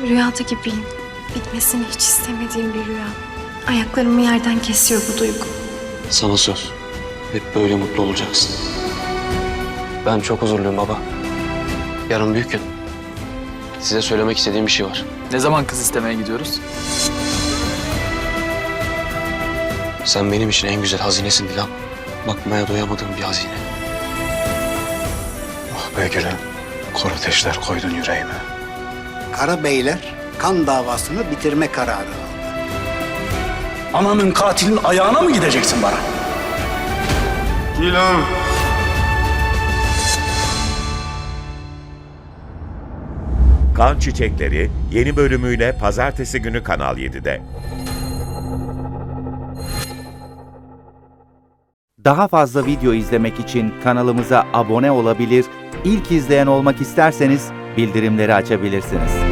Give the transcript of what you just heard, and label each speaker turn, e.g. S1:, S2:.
S1: Rüyada gibiyim. Bitmesini hiç istemediğim bir rüya. Ayaklarımı yerden kesiyor bu duygu.
S2: Sana söz. Hep böyle mutlu olacaksın. Ben çok huzurluyum baba. Yarın büyük gün. Size söylemek istediğim bir şey var.
S3: Ne zaman kız istemeye gidiyoruz?
S2: Sen benim için en güzel hazinesin Dilan. Bakmaya doyamadığım bir hazine.
S4: Ah be gülüm, kor ateşler koydun yüreğime.
S5: Karabeyler kan davasını bitirme kararı aldı.
S4: Ananın katilin ayağına mı gideceksin bana?
S6: Dilan.
S7: Kan Çiçekleri yeni bölümüyle pazartesi günü Kanal 7'de.
S8: Daha fazla video izlemek için kanalımıza abone olabilir, ilk izleyen olmak isterseniz bildirimleri açabilirsiniz.